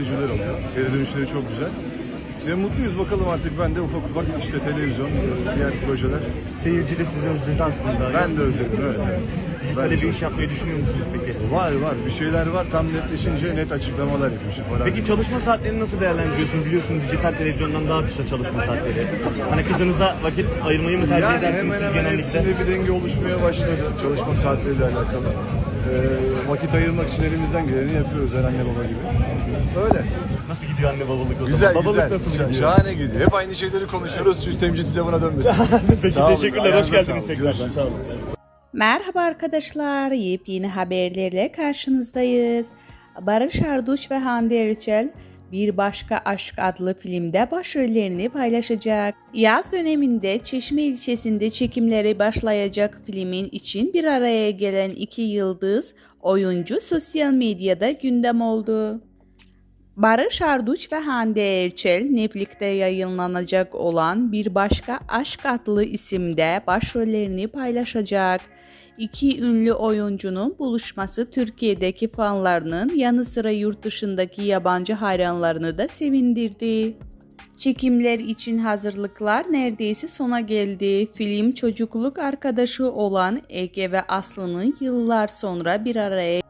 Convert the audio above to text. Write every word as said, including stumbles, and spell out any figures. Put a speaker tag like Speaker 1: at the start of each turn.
Speaker 1: görücüler oluyor. Geri dönüşleri çok güzel. Ve mutluyuz, bakalım artık ben de ufak ufak işte televizyon, diğer projeler.
Speaker 2: Seyirci de sizi özledi aslında.
Speaker 1: Ben de özledim, evet. Ben
Speaker 2: Böyle bir
Speaker 1: çok-
Speaker 2: iş yapmayı düşünüyor musunuz peki?
Speaker 1: Var var, bir şeyler var. Tam netleşince net açıklamalar yapmışım falan.
Speaker 2: Peki çalışma saatlerini nasıl değerlendiriyorsunuz? Biliyorsunuz dijital televizyondan daha kısa çalışma saatleri. Hani kızınıza vakit ayırmayı mı tercih
Speaker 1: Yani
Speaker 2: edersiniz
Speaker 1: hemen
Speaker 2: siz
Speaker 1: hemen
Speaker 2: genellikle?
Speaker 1: hepsinde bir denge oluşmaya başladı çalışma saatleriyle alakalı. Ee, vakit ayırmak için elimizden geleni yapıyoruz, her anne baba gibi. Öyle.
Speaker 2: Nasıl gidiyor anne babalık o
Speaker 1: Güzel
Speaker 2: zaman? Babalık
Speaker 1: güzel.
Speaker 2: nasıl
Speaker 1: Şa-
Speaker 2: gidiyor?
Speaker 1: Şahane gidiyor. Hep aynı şeyleri konuşuyoruz. Şu temcit pilavına dönmesin.
Speaker 2: Peki
Speaker 1: Sağ olun,
Speaker 2: teşekkürler. Hoş
Speaker 1: ayağınıza
Speaker 2: geldiniz
Speaker 1: sağlık.
Speaker 2: tekrardan.
Speaker 1: Görüşürüz.
Speaker 2: Sağ olun.
Speaker 3: Merhaba arkadaşlar, yepyeni haberlerle karşınızdayız. Barış Arduç ve Hande Erçel Bir Başka Aşk adlı filmde başrollerini paylaşacak. Yaz döneminde Çeşme ilçesinde çekimleri başlayacak filmin için bir araya gelen iki yıldız oyuncu sosyal medyada gündem oldu. Barış Arduç ve Hande Erçel Netflix'te yayınlanacak olan Bir Başka Aşk adlı isimde başrollerini paylaşacak. İki ünlü oyuncunun buluşması Türkiye'deki fanlarının yanı sıra yurt dışındaki yabancı hayranlarını da sevindirdi. Çekimler için hazırlıklar neredeyse sona geldi. Film çocukluk arkadaşı olan Ege ve Aslı'nın yıllar sonra bir araya